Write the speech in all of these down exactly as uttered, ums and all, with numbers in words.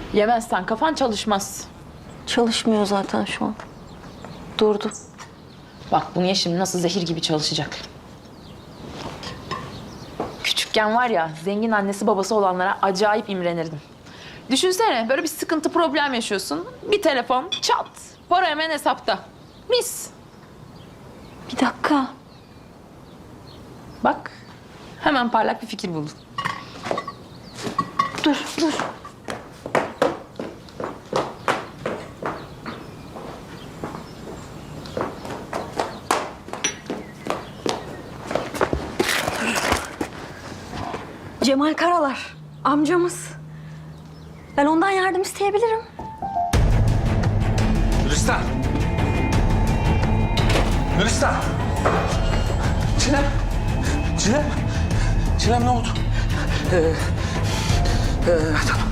Yemezsen kafan çalışmaz. Çalışmıyor zaten şu an. Durdu. Bak bunu ye şimdi nasıl zehir gibi çalışacak. Küçükken var ya zengin annesi babası olanlara acayip imrenirdim. Düşünsene böyle bir sıkıntı problem yaşıyorsun. Bir telefon çat. Para hemen hesapta. Mis. Bir dakika. Bak hemen parlak bir fikir buldun. Dur, dur. Cemal Karalar, amcamız. Ben ondan yardım isteyebilirim. Gülistan! Gülistan! Çilem! Çilem! Çilem ne oldu? Ee, e, tamam.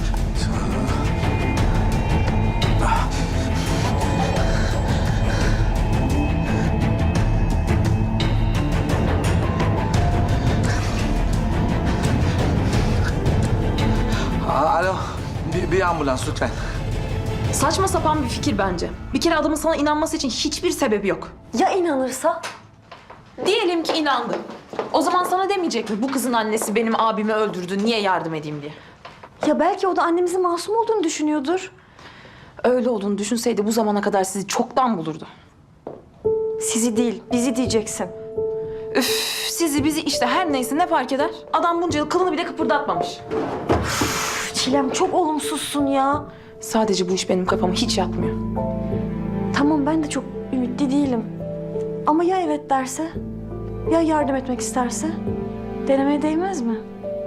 Aa, alo, bir, bir ambulans lütfen. Saçma sapan bir fikir bence. Bir kere adamın sana inanması için hiçbir sebebi yok. Ya inanırsa? Diyelim ki inandı. O zaman sana demeyecek mi bu kızın annesi benim abimi öldürdü niye yardım edeyim diye. Ya belki o da annemizin masum olduğunu düşünüyordur. Öyle olduğunu düşünseydi bu zamana kadar sizi çoktan bulurdu. Sizi değil, bizi diyeceksin. Üf, sizi bizi işte her neyse ne fark eder? Adam bunca yıl kılını bile kıpırdatmamış. Çilem çok olumsuzsun ya. Sadece bu iş benim kafama hiç yatmıyor. Tamam ben de çok ümitli değilim. Ama ya evet derse? Ya yardım etmek isterse? Denemeye değmez mi?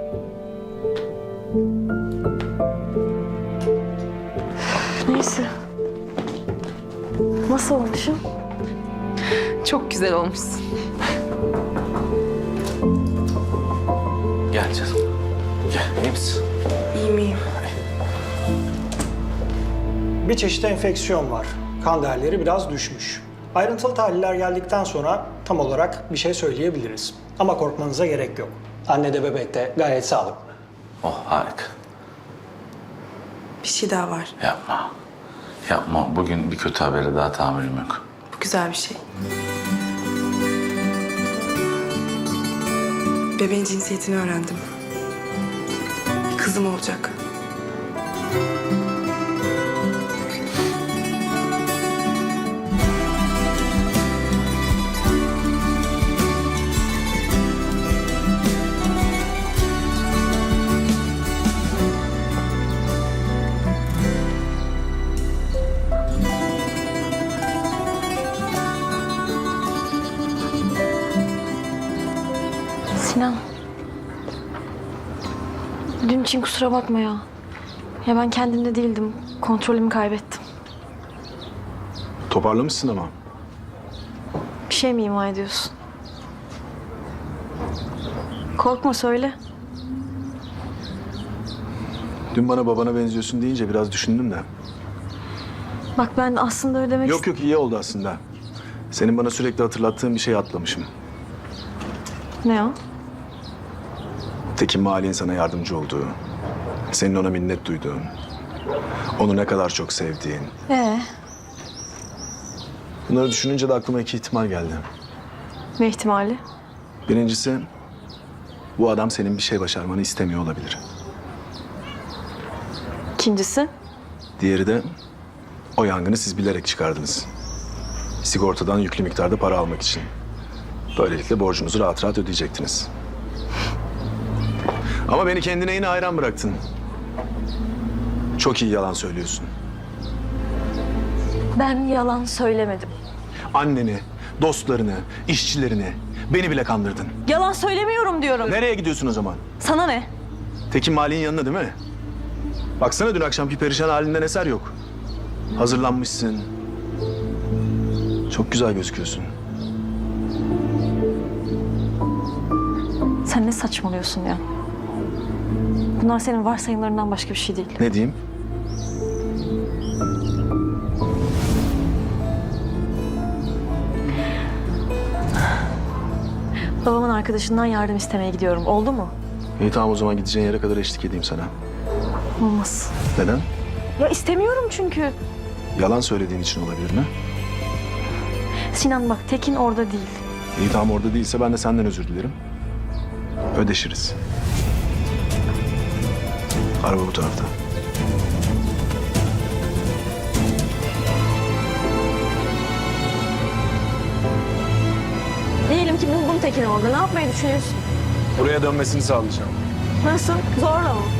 Neyse. Nasıl olmuşum? Çok güzel olmuşsun. Gel canım. Gel, iyi misin? İyi miyim? Bir çeşit enfeksiyon var. Kan değerleri biraz düşmüş. Ayrıntılı tahliller geldikten sonra tam olarak bir şey söyleyebiliriz. Ama korkmanıza gerek yok. Anne de bebek de gayet sağlıklı. Oh, harika. Bir şey daha var. Yapma. Yapma. Bugün bir kötü habere daha tahammülüm yok. Bu güzel bir şey. Bebeğin cinsiyetini öğrendim. Bir kızım olacak. Sinan. Dün için kusura bakma ya. Ya ben kendimde değildim. Kontrolümü kaybettim. Toparlamışsın ama. Bir şey mi ima ediyorsun? Korkma söyle. Dün bana babana benziyorsun deyince biraz düşündüm de. Bak ben aslında öyle demek Yok yok iyi oldu aslında. Senin bana sürekli hatırlattığın bir şey atlamışım. Ne o? Tekin Mali'nin sana yardımcı olduğu, senin ona minnet duyduğun, onu ne kadar çok sevdiğin. Ee, Bunları düşününce de aklıma iki ihtimal geldi. ne ihtimali? Birincisi, bu adam senin bir şey başarmanı istemiyor olabilir. İkincisi? Diğeri de, o yangını siz bilerek çıkardınız. Sigortadan yüklü miktarda para almak için. Böylelikle borcunuzu rahat rahat ödeyecektiniz. Ama beni kendine yine hayran bıraktın. Çok iyi yalan söylüyorsun. Ben yalan söylemedim. Anneni, dostlarını, işçilerini, beni bile kandırdın. Yalan söylemiyorum diyorum. Nereye gidiyorsun o zaman? Sana ne? Tekin Mali'nin yanına değil mi? Baksana dün akşamki perişan halinden eser yok. Hazırlanmışsın. Çok güzel gözüküyorsun. Sen ne saçmalıyorsun ya? Bunlar senin varsayımlarından başka bir şey değil. Ne diyeyim? Babamın arkadaşından yardım istemeye gidiyorum. Oldu mu? İyi tamam o zaman gideceğin yere kadar eşlik edeyim sana. Olmaz. Neden? Ya istemiyorum çünkü. Yalan söylediğin için olabilir mi? Sinan bak Tekin orada değil. İyi tamam orada değilse ben de senden özür dilerim. Ödeşiriz. Araba bu tarafta. Diyelim ki buldum Tekin'i orada. Ne yapmayı düşünüyorsun? Buraya dönmesini sağlayacağım. Nasıl? Zorla mı?